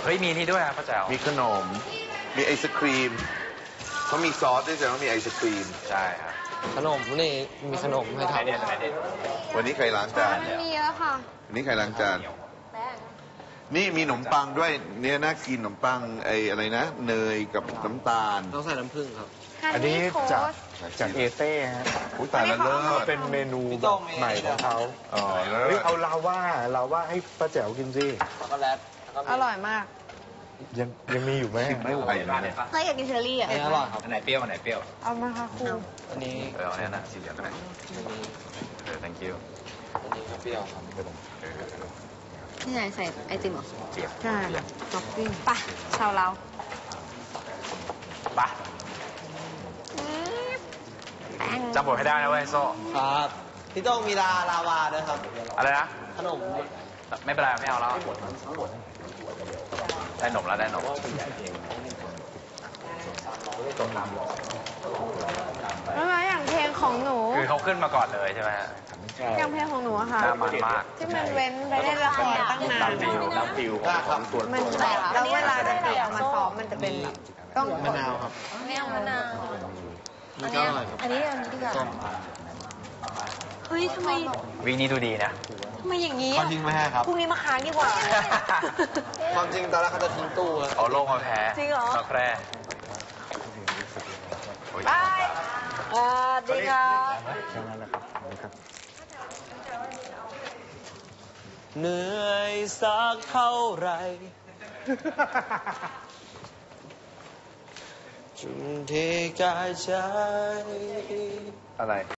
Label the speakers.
Speaker 1: เฮ้ยมีนี่ด้วยป้าแจ๋ว
Speaker 2: มีขนมมีไอศครีมเขามีซอสด้วยแต่ว่ามีไอศครีม
Speaker 1: ใช่ครับ
Speaker 3: ขนมนี่มีขนมให้ทำ
Speaker 2: วันนี้ใครล้างจาน
Speaker 4: มีเยอะค่ะ
Speaker 2: วันนี้ใครล้างจานนี่มีขนมปังด้วยเนี่ยน่ากินขนมปังไออะไรนะเนยกับน้ำตาล
Speaker 3: ต้องใส่น้ำผึ้งครับ
Speaker 4: อันนี้
Speaker 5: จากเอเต้ฮะ
Speaker 2: ตายแล้วเลิศ
Speaker 5: เป็นเมนูแบบใหม่ของเขาเฮ้ยเอาลาว่าให้ป้าแจ๋วกินสิ
Speaker 3: ช็อกโกแลต
Speaker 4: อร่อยมาก
Speaker 5: ยังมีอยู่ไหม
Speaker 2: ไม่ไหวนะเนี่ย
Speaker 4: เคยอยากกินเชอรี่อ่ะ
Speaker 3: อร่อยครับ
Speaker 1: อันไหนเปรี้ยวอันไหนเปรี้ยว
Speaker 4: เอามาค่ะครู
Speaker 3: อันนี้
Speaker 1: เอาเนี่ยนะสีเหลืองก็ได้thank you
Speaker 3: อันนี้เปรี้ยวครับ
Speaker 4: นี่ไงใส่ไอติมเหรอ
Speaker 1: เจี๊ยบ
Speaker 4: ใช่ท็อปปิ้งป่ะชาวเรา
Speaker 1: ป่ะจำบทให้ได้นะเว้ยโซ่
Speaker 3: ครับพี่ต้องมีลาวาด้วยครับ
Speaker 1: อะไรนะ
Speaker 3: ขนม
Speaker 1: ไม่เป็นไรไม่เอาแล้วได้หนมแล้วได้หนม
Speaker 4: แล้วอย่างเพลงของหนู
Speaker 1: คือเขาขึ้นมาก่อนเลยใช่ไหม
Speaker 4: อย่างเพลงของหนูอะค่ะ
Speaker 1: น่ามันมาก
Speaker 4: ที่มันเว้นไปเล่นละครตั้งนาน
Speaker 1: น้ำฟิวของส่วน
Speaker 4: มันแต่แล้วเวลาจะเดี่ยวมาซ้อมมันจะเป็นต้อง
Speaker 3: มะนาวครับ
Speaker 4: มะนาว
Speaker 3: อันนี้
Speaker 4: อันนี้ดีกว่าเฮ้ยทำไม
Speaker 1: วิ่งนี้ดูดีนะ
Speaker 4: ทำไมอย่างนี้
Speaker 3: เขาทิ้งไม่ให้ครับ
Speaker 4: พรุ่งนี้มาค้างดีกว่า
Speaker 3: ความจริงตอนแรกเขาจะทิ้งตู้
Speaker 1: เอาโล่งมาแพ้
Speaker 4: จริงเหรอ
Speaker 1: มาแพ้
Speaker 4: บายดีครับ
Speaker 3: เหนื่อยสักเท่าไรจุดที่กายใจ
Speaker 2: อะไร